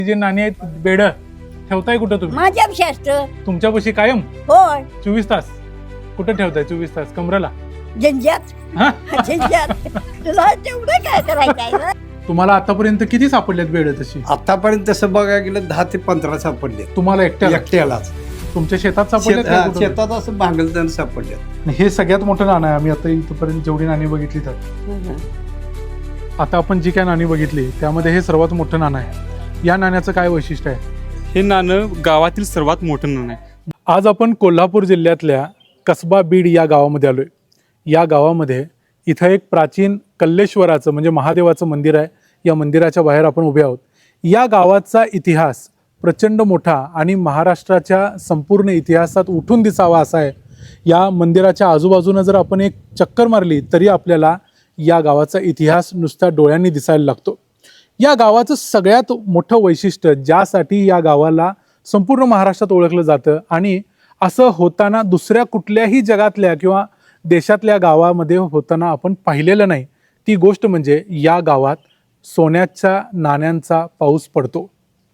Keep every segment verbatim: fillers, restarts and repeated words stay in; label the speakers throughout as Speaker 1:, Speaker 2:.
Speaker 1: जे नाणी आहेत बेड ठेवताय कुठं तुम्ही?
Speaker 2: माझ्यापाशी असतं.
Speaker 1: तुमच्यापाशी कायम
Speaker 2: होय.
Speaker 1: चोवीस तास कुठं ठेवताय? चोवीस तास कमरेला?
Speaker 2: झंझात
Speaker 1: हा?
Speaker 2: झंझात तुला तेवढं काय करायचं?
Speaker 1: तुम्हाला आतापर्यंत किती सापडलेत बेड तशी?
Speaker 3: आतापर्यंत तसं बघायला गेलं दहा ते पंधरा सापडले.
Speaker 1: तुम्हाला एकट्याला?
Speaker 3: एकट्यालाच.
Speaker 1: तुमच्या शेतात सापडलेत
Speaker 3: शेत-
Speaker 1: का
Speaker 3: हा,
Speaker 1: कुठं?
Speaker 3: शेतात असं भांगलताना सापडले.
Speaker 1: हे सगळ्यात मोठं नाणं आहे. आम्ही आता इथपर्यंत जेवढी नाणी बघितली तर आता आपण जी काय नाणी बघितली त्यामध्ये हे सर्वात मोठं नाणं आहे. या नाण्याचं काय वैशिष्ट्य आहे?
Speaker 4: हे नाणं गावातील सर्वात मोठं नाणं आहे.
Speaker 1: आज आपण कोल्हापूर जिल्ह्यातल्या कसबा बीड या गावामध्ये आलोय. या गावामध्ये इथं एक प्राचीन कल्लेश्वराचं म्हणजे महादेवाचं मंदिर आहे. या मंदिराच्या बाहेर आपण उभे आहोत. या गावाचा इतिहास प्रचंड मोठा आणि महाराष्ट्राच्या संपूर्ण इतिहासात उठून दिसावा असा आहे. या मंदिराच्या आजूबाजूनं जर आपण एक चक्कर मारली तरी आपल्याला या गावाचा इतिहास नुसत्या डोळ्यांनी दिसायला लागतो. या गावाचं सगळ्यात मोठं वैशिष्ट्य ज्यासाठी या गावाला संपूर्ण महाराष्ट्रात ओळखलं जातं आणि असं होताना दुसऱ्या कुठल्याही जगातल्या किंवा देशातल्या गावामध्ये होताना आपण पाहिलेलं नाही, ती गोष्ट म्हणजे या गावात सोन्याच्या नाण्यांचा पाऊस पडतो.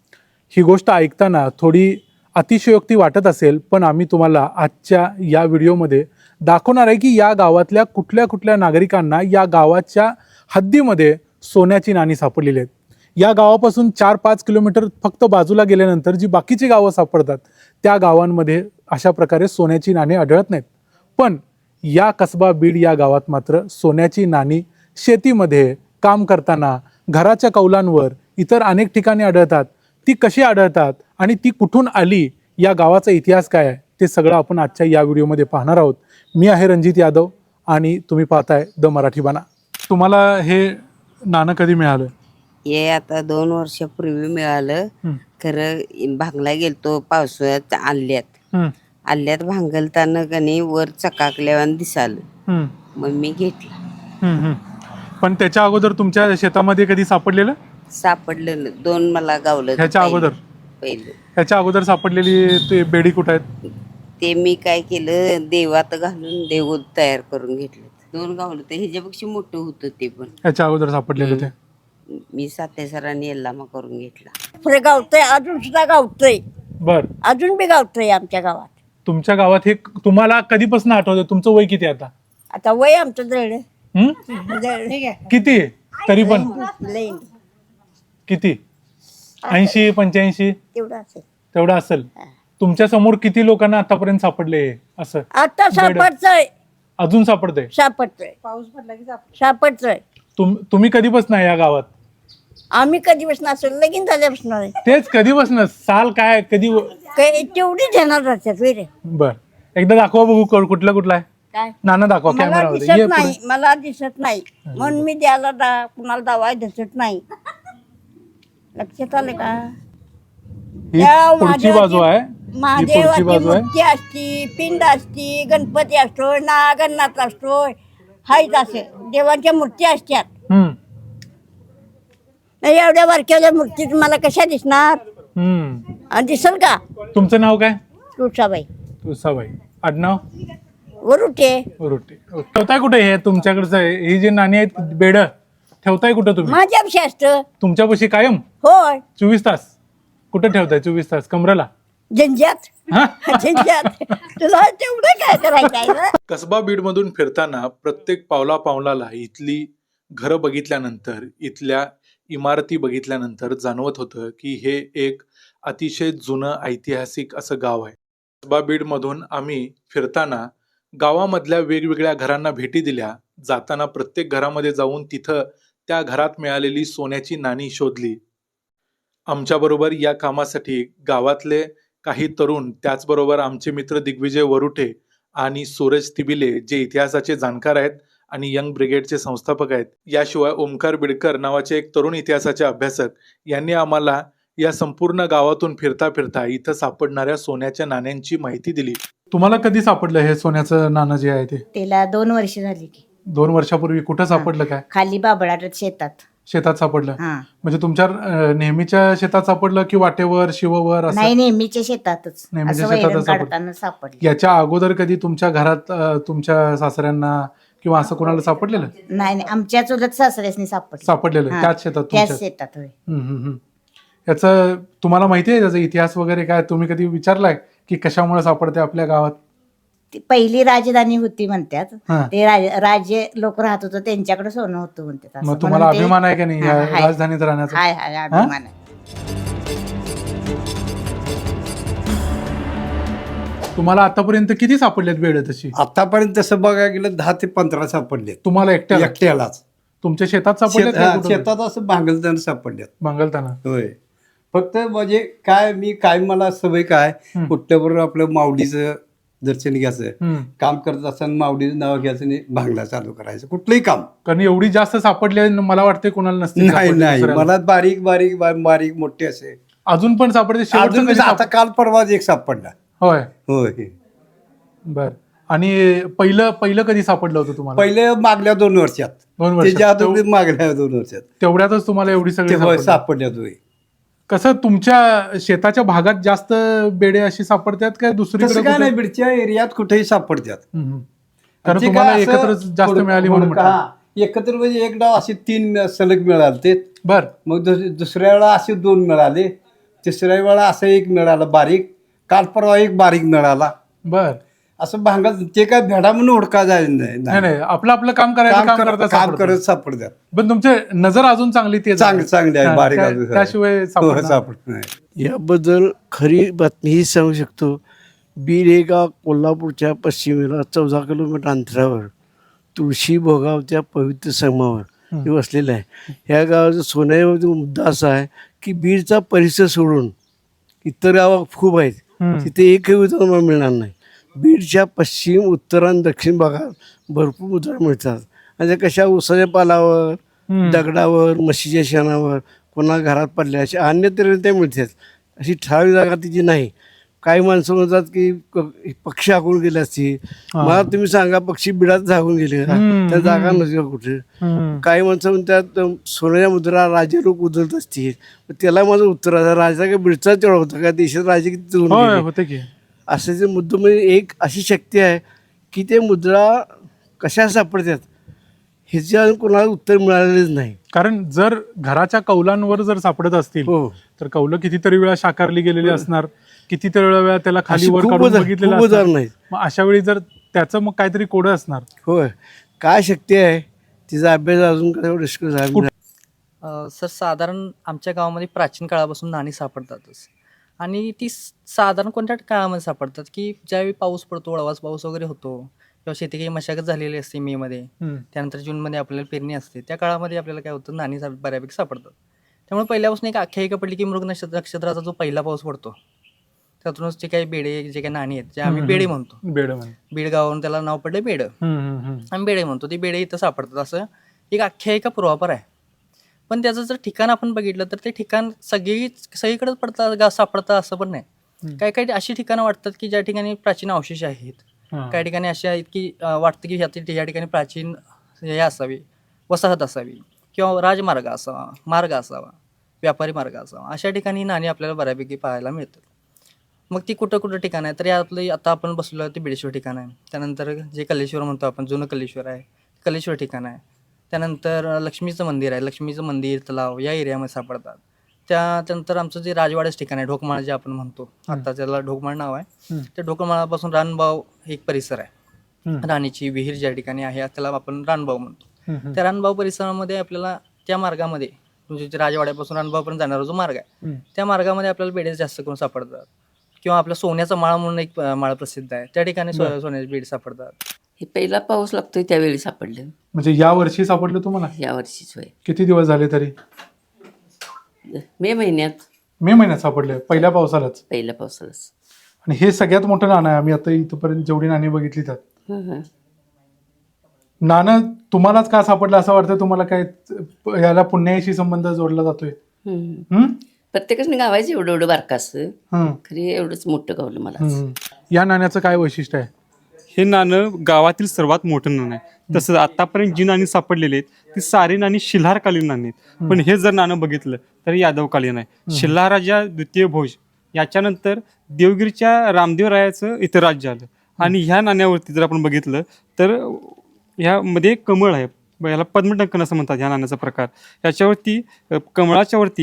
Speaker 1: ही गोष्ट ऐकताना थोडी अतिशयोक्ती वाटत असेल, पण आम्ही तुम्हाला आजच्या या व्हिडिओमध्ये दाखवणार आहे की या गावातल्या कुठल्या कुठल्या नागरिकांना या गावाच्या हद्दीमध्ये सोन्याची नाणी सापडलेली आहेत. या गावापासून चार पाच किलोमीटर फक्त बाजूला गेल्यानंतर जी बाकीची गावं सापडतात त्या गावांमध्ये अशा प्रकारे सोन्याची नाणी आढळत नाहीत. पण या कसबा बीड या गावात मात्र सोन्याची नाणी शेतीमध्ये काम करताना घराच्या कौलांवर इतर अनेक ठिकाणी आढळतात. ती कशी आढळतात आणि ती कुठून आली, या गावाचा इतिहास काय आहे, ते सगळं आपण आजच्या या व्हिडिओमध्ये पाहणार आहोत. मी आहे रणजित यादव आणि तुम्ही पाहताय द मराठी बाणा. तुम्हाला हे नाणं कधी मिळालं?
Speaker 5: हे आता दोन वर्षापूर्वी मिळालं.
Speaker 1: हं.
Speaker 5: खरं भांगला गेलतो पावसाळ्यात आल्यात
Speaker 1: हं,
Speaker 5: आल्यात भांगलताना कणी वर चकाकल्यावर दिसालं.
Speaker 1: हं,
Speaker 5: मग मी घेतला.
Speaker 1: हं, हं. पण त्याच्या अगोदर तुमच्या शेतामध्ये कधी सापडलेलं?
Speaker 5: सापडलं न- दोन मला गावलं.
Speaker 1: ह्याच्या अगोदर?
Speaker 5: पहिलं
Speaker 1: ह्याच्या अगोदर सापडलेली ते बेडी कुठं आहेत?
Speaker 5: ते मी काय केलं, देवात घालून देव तयार करून घेतलं. दोन गावलं तर ह्याच्यापेक्षा मोठं होतं ते पण.
Speaker 1: ह्याच्या अगोदर सापडलेलं ते?
Speaker 5: मी साते सरांनी यल्लामा करून घेतला.
Speaker 2: पुढे गावतंय, अजून सुद्धा गावतंय,
Speaker 1: बर.
Speaker 2: अजून बी गावतंय आमच्या गावात.
Speaker 1: तुमच्या गावात हे तुम्हाला कधीपासून आठवतं? तुमचं वय किती आता?
Speaker 2: आता वय आमचं जळलं
Speaker 1: हं?
Speaker 2: जळलं
Speaker 1: किती तरी पण?
Speaker 2: लई
Speaker 1: किती? ऐंशी पंच्याऐंशी
Speaker 2: तेवढं असेल.
Speaker 1: तेवढं असेल. तुमच्या समोर किती लोकांना आतापर्यंत सापडले हे असं?
Speaker 2: आता सापडतंय,
Speaker 1: अजून सापडतंय?
Speaker 2: सापडतंय, पाऊस पडला की सापडतंय.
Speaker 1: तुम तुम्ही कधीपासून आहे या गावात?
Speaker 2: आम्ही कधीपासून असेल लगीन झाल्यापासून आहे.
Speaker 1: तेच कधीपासून? साल काय कधी?
Speaker 2: काय तेवढी ध्यानात राहतात वेरे.
Speaker 1: बर, एकदा दाखवा बघू क- कुठला कुठला आहे
Speaker 2: काय
Speaker 1: नाना, दाखवा
Speaker 2: मला
Speaker 1: कॅमेरामध्ये.
Speaker 2: दिसत
Speaker 1: ये
Speaker 2: नाही,
Speaker 1: पुढे.
Speaker 2: मला दिसत नाही म्हणून मी द्यायला दा कुणाला दावा दिसत नाही. लक्षात आलं का?
Speaker 1: ही
Speaker 2: त्या
Speaker 1: पुढची
Speaker 2: महादेवाची-
Speaker 1: बाजू आहे, ही पुढची
Speaker 2: महादेवाची
Speaker 1: बाजू आहे.
Speaker 2: मूर्ती असती, पिंड असती, गणपती असतो, नागनाथ असतो, हायच असे देवांच्या मूर्ती असतात.
Speaker 1: हम्म,
Speaker 2: नाही एवढ्या बारक्याच्या मूर्ती मला कशा दिसणार?
Speaker 1: हम्म.
Speaker 2: आणि दिसल का?
Speaker 1: तुमचं नाव काय?
Speaker 2: तुळसाबाई
Speaker 1: तुळसाबाई. आडनाव?
Speaker 2: वरुटे.
Speaker 1: रोटे. ठेवताय कुठे हे तुमच्याकडचं? ही जी नाणी आहेत बेड ठेवताय कुठं तुम्ही?
Speaker 2: माझ्यापाशी असतं.
Speaker 1: तुमच्यापाशी कायम
Speaker 2: होय.
Speaker 1: चोवीस तास कुठं ठेवताय? चोवीस तास कमरेला?
Speaker 2: झंझात
Speaker 1: हा?
Speaker 2: झंझात तुला तेवढं काय करायचं?
Speaker 1: कसबा बीडमधून फिरताना प्रत्येक पावला पावलाला इथली घरं बघितल्यानंतर, इथल्या इमारती बघितल्यानंतर जाणवत होतं की हे एक अतिशय जुनं ऐतिहासिक असं गाव आहे. कसबा बीडमधून आम्ही फिरताना गावामधल्या वेगवेगळ्या घरांना भेटी दिल्या. जाताना प्रत्येक घरामध्ये जाऊन तिथं त्या घरात मिळालेली सोन्याची नाणी शोधली. आमच्याबरोबर या कामासाठी गावातले काही तरुण, त्याचबरोबर आमचे मित्र दिग्विजय वरुटे आणि सूरज तिबिले जे इतिहासाचे जाणकार आहेत आणि यंग ब्रिगेडचे संस्थापक आहेत, याशिवाय ओमकार बिडकर नावाचे एक तरुण इतिहासाचे अभ्यासक, यांनी आम्हाला या संपूर्ण गावातून फिरता फिरता इथं सापडणाऱ्या सोन्याच्या नाण्यांची माहिती दिली. तुम्हाला कधी सापडलं हे सोन्याचं नाणं जे आहे ते?
Speaker 6: त्याला दोन वर्ष झाली की.
Speaker 1: दोन वर्षापूर्वी. कुठं सापडलं? काय
Speaker 6: खाली बाबळाट शेतात.
Speaker 1: शेतात सापडलं?
Speaker 6: हा.
Speaker 1: म्हणजे तुमच्या अं, नेहमीच्या शेतात सापडलं की वाटेवर शिववर असं?
Speaker 6: नाही, नेहमीच्या शेतातच.
Speaker 1: नेहमीच्या
Speaker 6: असं वैरण
Speaker 1: शेतातच सापडलं.
Speaker 6: काढताना सापडली.
Speaker 1: याच्या अगोदर कधी तुमच्या घरात अं, तुमच्या सासऱ्यांना किंवा असं कोणाला सापडलेलं?
Speaker 6: नाही नाही, आमच्या चुलत सासऱ्यासनी सापडली.
Speaker 1: सापडलेलं
Speaker 6: हा.
Speaker 1: त्याच शेतात
Speaker 6: त्याच
Speaker 1: तुमच्या?
Speaker 6: शेतात होय.
Speaker 1: हम्म, हम्म, हम्म. याचं तुम्हाला माहिती आहे त्याचा इतिहास वगैरे काय? तुम्ही कधी विचारलाय की कशामुळे सापडते आपल्या गावात?
Speaker 6: ती पहिली राजधानी होती म्हणतात.
Speaker 1: हा.
Speaker 6: ते राज- राजे लोक राहत होतं त्यांच्याकडे सोनं होतं म्हणतात. असं
Speaker 1: मग तुम्हाला
Speaker 6: म्हणून ते-
Speaker 1: अभिमान आहे का नाही या
Speaker 6: हा, हाय.
Speaker 1: राजधानीत राहण्याचा?
Speaker 6: हाय हाय अभिमान आहे.
Speaker 1: तुम्हाला आतापर्यंत किती सापडलेत बेड तशी?
Speaker 3: आतापर्यंत तसं बघायला गेलं दहा ते पंधरा सापडलेत
Speaker 1: तुम्हाला एकट्याला?
Speaker 3: एकट्यालाच.
Speaker 1: तुमच्या शेतात सापडलेत
Speaker 3: शेत-
Speaker 1: का
Speaker 3: हा,
Speaker 1: कुठं?
Speaker 3: शेतात असं भांगलताना सापडल्यात.
Speaker 1: मंगलताना.
Speaker 3: होय. फक्त म्हणजे काय मी काय मला सवय काय
Speaker 1: हम्म.
Speaker 3: कुठल्याबरोबर आपलं माऊलीचं दर्शन घ्यायचं,
Speaker 1: हम्म.
Speaker 3: काम करत असताना माऊलीचं नाव घ्यायचं आणि भांगला चालू करायचं कुठलंही काम.
Speaker 1: कारण एवढी जास्त सापडले मला वाटते कोणाला नसते
Speaker 3: नाही
Speaker 1: सापडले
Speaker 3: नाही
Speaker 1: दुसऱ्याला.
Speaker 3: मला बारीक बारीक बा- बारीक मोठे असे
Speaker 1: अजून पण सापडते शेवटचं
Speaker 3: अजून
Speaker 1: कधी
Speaker 3: आता
Speaker 1: साप-
Speaker 3: काल परवाच एक सापडला.
Speaker 1: होय.
Speaker 3: होय.
Speaker 1: बर. आणि पहिलं पहिलं कधी सापडलं होतं तुम्हाला?
Speaker 3: पहिले मागल्या दोन वर्षात,
Speaker 1: दोन वर्षात.
Speaker 3: त्याच्या अगोदर मागल्या दोन वर्षात
Speaker 1: तेवढ्यातच तुम्हाला एवढी
Speaker 3: ते
Speaker 1: सगळी
Speaker 3: होय
Speaker 1: सापडली?
Speaker 3: सापडल्यात. होय.
Speaker 1: कसं तुमच्या शेताच्या भागात जास्त बेडे अशी सापडतात का दुसरीकडे
Speaker 3: तसं काय
Speaker 1: कुठे?
Speaker 3: नाही, बीडच्या एरियात कुठेही सापडतात.
Speaker 1: हम्म, हम्म. कारण
Speaker 3: जे
Speaker 1: तुम्हाला
Speaker 3: काय असं
Speaker 1: एकत्र जास्त
Speaker 3: हुडक-
Speaker 1: मिळाली म्हणून
Speaker 3: हुडका-
Speaker 1: म्हटलं.
Speaker 3: हा, एकत्र म्हणजे एक डाव असे तीन सलग मिळाले ते.
Speaker 1: बर.
Speaker 3: मग दुस- दुसऱ्या वेळा असे दोन मिळाले, तिसऱ्या वेळा असं एक मिळालं बारीक, काल परवा एक बारीक मिळाला.
Speaker 1: बर.
Speaker 3: असं भांगत ते काय भेडा म्हणून हुडका जायला नाही.
Speaker 1: नाही नाही आपलं आपलं काम करायचं,
Speaker 3: काम
Speaker 1: काम
Speaker 3: करत
Speaker 1: करता
Speaker 3: काम
Speaker 1: सापडतं.
Speaker 3: करत सापडतात.
Speaker 1: पण तुमचे नजर अजून चांगली ते
Speaker 3: चांगली चांगली आहे, बारीक
Speaker 1: त्या-
Speaker 3: अजून.
Speaker 1: त्याशिवाय
Speaker 3: हो,
Speaker 1: सापडणार.
Speaker 3: सापडत नाही.
Speaker 7: याबद्दल खरी बातमी ही सांगू शकतो. बीड हे गाव कोल्हापूरच्या पश्चिमेला चौदा किलोमीटर अंतरावर तुळशी भोगावच्या पवित्र संगमावर हे वसलेलं आहे. ह्या गावाचा सोन्यामध्ये मुद्दा असा आहे की बीडचा परिसर सोडून इतर गावं खूप आहेत,
Speaker 1: हम्म.
Speaker 7: तिथे एकही उदाहरण तुम्हाला मिळणार नाही. बीडच्या पश्चिम, उत्तर आणि दक्षिण भागात भरपूर उदाहरण मिळतात. आणि त्या कशा उसाच्या पालावर,
Speaker 1: हम्म.
Speaker 7: दगडावर, म्हशीच्या शेणावर, कोणा घरात पडल्या अशा अन्य तऱ्हेने त्या मिळतात. अशी ठराविक जागा तिची नाही. काही माणसं म्हणतात की क- पक्षी हाकून गेले असतील.
Speaker 1: हा.
Speaker 7: मला तुम्ही सांगा पक्षी बिडात झाकून गेले का?
Speaker 1: हम्म,
Speaker 7: त्या जागा
Speaker 1: हम्म.
Speaker 7: नसतील का कुठे?
Speaker 1: हम्म.
Speaker 7: काही माणसं म्हणतात अं, सोन्याच्या मुद्रा राजे लोक उधळत असतील. मग त्याला माझं उत्तर आहे, राजा काय बिडचा तेवढा होता का? देशात राजे किती जळून
Speaker 1: होय
Speaker 7: गेले?
Speaker 1: होते की.
Speaker 7: असे जे मुद्दे म्हणजे एक अशी शक्ती आहे की ते मुद्रा कशा सापडतात ह्याच्या कोणाला उत्तर मिळालेलंच नाही.
Speaker 1: कारण जर घराच्या कौलांवर जर सापडत असतील
Speaker 7: हो.
Speaker 1: तर कौलं कितीतरी वेळा साकारली गेलेली असणार, कितीतरी वेळा त्याला खाली
Speaker 7: अशी
Speaker 1: वर
Speaker 7: खूप
Speaker 1: काढून
Speaker 7: उदाहरण-
Speaker 1: बघितलेलं
Speaker 7: खूप
Speaker 1: असणार.
Speaker 7: उदाहरणं आहेत.
Speaker 1: मग अशा वेळी जर त्याचं मग काहीतरी कोड असणार.
Speaker 7: होय. काय शक्ती आहे तिचा अभ्यास अजून काय डिस्कस आहे.
Speaker 8: अ, सर साधारण आमच्या गावामध्ये प्राचीन काळापासून नाणी सापडतातच. आणि ती स- साधारण कोणत्या काळामध्ये सापडतात की ज्यावेळी पाऊस पडतो, वळवास पाऊस वगैरे होतो किंवा शेती काही मशागत झालेली असते मेमध्ये,
Speaker 1: हम्म.
Speaker 8: त्यानंतर जूनमध्ये आपल्याला पेरणी असते, त्या काळामध्ये आपल्याला काय होतं नाणी सा- बऱ्यापैकी सापडतात. त्यामुळे पहिल्यापासून एक आख्यायिका पडली की मृग नक्षत्र नक्षत्राचा जो पहिला पाऊस पडतो त्यातूनच जे काही बेडे, जे काही नाणी आहेत जे आम्ही
Speaker 1: हम्म.
Speaker 8: बेडे म्हणतो,
Speaker 1: बेड म्हणे.
Speaker 8: बीड गावावरून त्याला नाव पडलं बेड,
Speaker 1: हम्म, हम्म, हम्म.
Speaker 8: आम्ही बेडे म्हणतो, ते बेडे इथं सापडतात असं एक आख्यायिका पूर्वापर आहे. पण त्याचं जर ठिकाण आपण बघितलं तर ते ठिकाण सगळी सगळीकडेच पडतात गा सापडतं असं पण नाही. काही काही अशी ठिकाणं वाटतात की ज्या ठिकाणी प्राचीन अवशेष आहेत,
Speaker 1: हा.
Speaker 8: काही ठिकाणी अशी आहेत की अं, वाटतं की ह्या या ठिकाणी प्राचीन हे असावी, वसाहत असावी किंवा राजमार्ग असावा, मार्ग असावा, व्यापारी मार्ग असावा. अशा ठिकाणी नाणी आपल्याला बऱ्यापैकी पाहायला मिळतात. मग ती कुठं कुठं ठिकाण आहे तर यातलं आता आपण बसलो ते बिडेश्वर ठिकाण आहे. त्यानंतर जे कल्लेश्वर म्हणतो आपण, जुनं कल्लेश्वर आहे, कल्लेश्वर ठिकाण आहे. त्यानंतर लक्ष्मीचं मंदिर आहे, लक्ष्मीचं मंदिर तलाव या एरियामध्ये सापडतात. त्या त्यानंतर आमचं जे राजवाड्याचं ठिकाण आहे, ढोकमाळ जे आपण म्हणतो, आता त्याला ढोकमाळ नाव आहे.
Speaker 1: हम्म.
Speaker 8: त्या ढोकमाळापासून रानबाव एक परिसर आहे,
Speaker 1: हम्म.
Speaker 8: राणीची विहीर ज्या ठिकाणी आहे त्याला आपण रानबाव म्हणतो.
Speaker 1: हम्म, हम्म.
Speaker 8: त्या रानबाव परिसरामध्ये आपल्याला त्या मार्गामध्ये म्हणजे जे राजवाड्यापासून रानबावपर्यंत जाणारा जो मार्ग आहे
Speaker 1: हम्म.
Speaker 8: त्या मार्गामध्ये आपल्याला बेडे जास्त करून सापडतात. किंवा आपला सोन्याचा माळ म्हणून एक अं, माळ प्रसिद्ध आहे, त्या ठिकाणी सो
Speaker 1: बरं.
Speaker 8: सोन्याचे बेड सापडतात.
Speaker 5: हे पहिला पाऊस लागतोय त्यावेळी सापडलं.
Speaker 1: म्हणजे या वर्षी सापडलं तुम्हाला?
Speaker 5: या वर्षीच होय,
Speaker 1: किती दिवस झाले तरी?
Speaker 5: मे महिन्यात
Speaker 1: मे महिन्यात सापडले पहिल्या पावसालाच.
Speaker 5: पहिल्या पावसालाच.
Speaker 1: आणि हे सगळ्यात मोठं नाणं आहे. आम्ही आता इथपर्यंत जेवढी नाणी बघितली त्यात.
Speaker 5: हं, हं.
Speaker 1: नाणं तुम्हालाच का सापडलं असं वाटतं? तुम्हाला काय याला पुण्याशी संबंध जोडला जातोय?
Speaker 5: हं.
Speaker 1: हम्म?
Speaker 5: प्रत्येकाने गावायचं एवढं एवढं बारकं असतं,
Speaker 1: हम्म.
Speaker 5: खरी एवढंच मोठं गावलं मला.
Speaker 1: हम्म. या नाण्याचं काय वैशिष्ट्य आहे?
Speaker 4: हे नाणं गावातील सर्वात मोठं नाणं आहे. तसंच आतापर्यंत जी नाणी सापडलेली आहेत ती सारी नाणी शिल्हारकालीन नाणी आहेत. पण हे जर नाणं बघितलं तर यादवकालीन आहे. शिल्हाराजा द्वितीय भोज याच्यानंतर देवगिरीच्या रामदेवरायाचं इथं राज्य आलं. आणि ह्या नाण्यावरती जर आपण बघितलं तर ह्यामध्ये कमळ आहे, याला पद्मटंकन असं म्हणतात ह्या नाण्याचा प्रकार. याच्यावरती अ, कमळाच्या वरती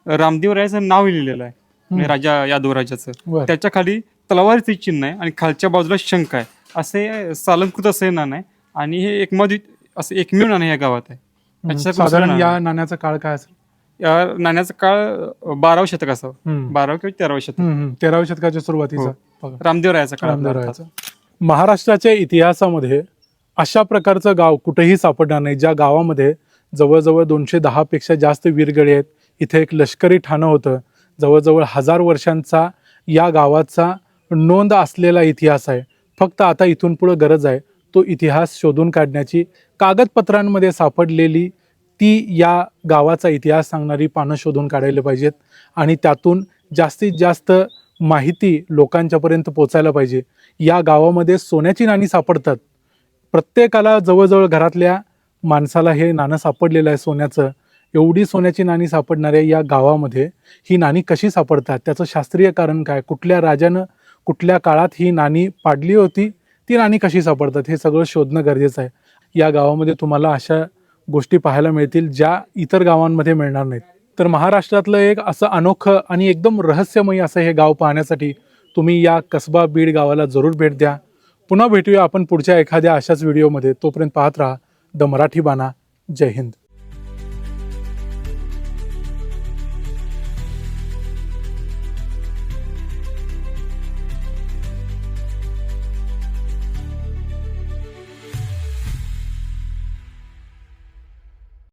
Speaker 4: रामदेव रायाचं नाव लिहिलेलं आहे म्हणजे राजा यादव राजाचं.
Speaker 1: बरं.
Speaker 4: त्याच्या खाली तलवारीचे चिन्ह आहे आणि खालच्या बाजूला शंख आहे. असे सालंकृत असे नाणं आहे आणि हे एकमेव असं एकमेव नाणं या गावात आहे.
Speaker 1: हम्म.
Speaker 4: याच्यासारखं दुसरं
Speaker 1: साधारण
Speaker 4: नाणं
Speaker 1: या
Speaker 4: नाही.
Speaker 1: नाण्याचा काळ काय असेल?
Speaker 4: या नाण्याचा काळ बारावं शतक असावं,
Speaker 1: हम्म.
Speaker 4: बारावं किंवा तेरावं शतक.
Speaker 1: हम्म, हम्म. तेराव्या शतकाच्या सुरुवातीचा
Speaker 4: हो.
Speaker 1: बघा.
Speaker 4: रामदेव रायाचा काळ
Speaker 1: रामदेवरायाचं. महाराष्ट्राच्या इतिहासामध्ये अशा प्रकारचं गाव कुठेही सापडणार नाही ज्या गावामध्ये जवळजवळ दोनशे दहा पेक्षा जास्त वीरगळे आहेत. इथे एक लष्करी ठाणं होतं. जवळजवळ हजार वर्षांचा या गावाचा नोंद असलेला इतिहास आहे. फक्त आता इथून पुढे गरज आहे तो इतिहास शोधून काढण्याची. कागदपत्रांमध्ये सापडलेली ती या गावाचा इतिहास सांगणारी पानं शोधून काढायला पाहिजेत आणि त्यातून जास्तीत जास्त माहिती लोकांच्यापर्यंत पोचायला पाहिजे. या गावामध्ये सोन्याची नाणी सापडतात. प्रत्येकाला जवळजवळ घरातल्या माणसाला हे नाणं सापडलेलं आहे सोन्याचं. एवढी सोन्याची नाणी सापडणाऱ्या या गावामध्ये ही नाणी कशी सापडतात, त्याचं शास्त्रीय कारण काय, कुठल्या राजानं कुठल्या काळात ही नाणी पाडली होती, ती नाणी कशी सापडतात, हे सगळं शोधणं गरजेचं आहे. या गावामध्ये तुम्हाला अशा गोष्टी पाहायला मिळतील ज्या इतर गावांमध्ये मिळणार नाहीत. तर महाराष्ट्रातलं एक असं अनोखं आणि एकदम रहस्यमयी असं हे गाव पाहण्यासाठी तुम्ही या कसबा बीड गावाला जरूर भेट द्या. पुन्हा भेटूया आपण पुढच्या एखाद्या अशाच व्हिडिओमध्ये. तोपर्यंत पाहत राहा द मराठी बाणा. जय हिंद.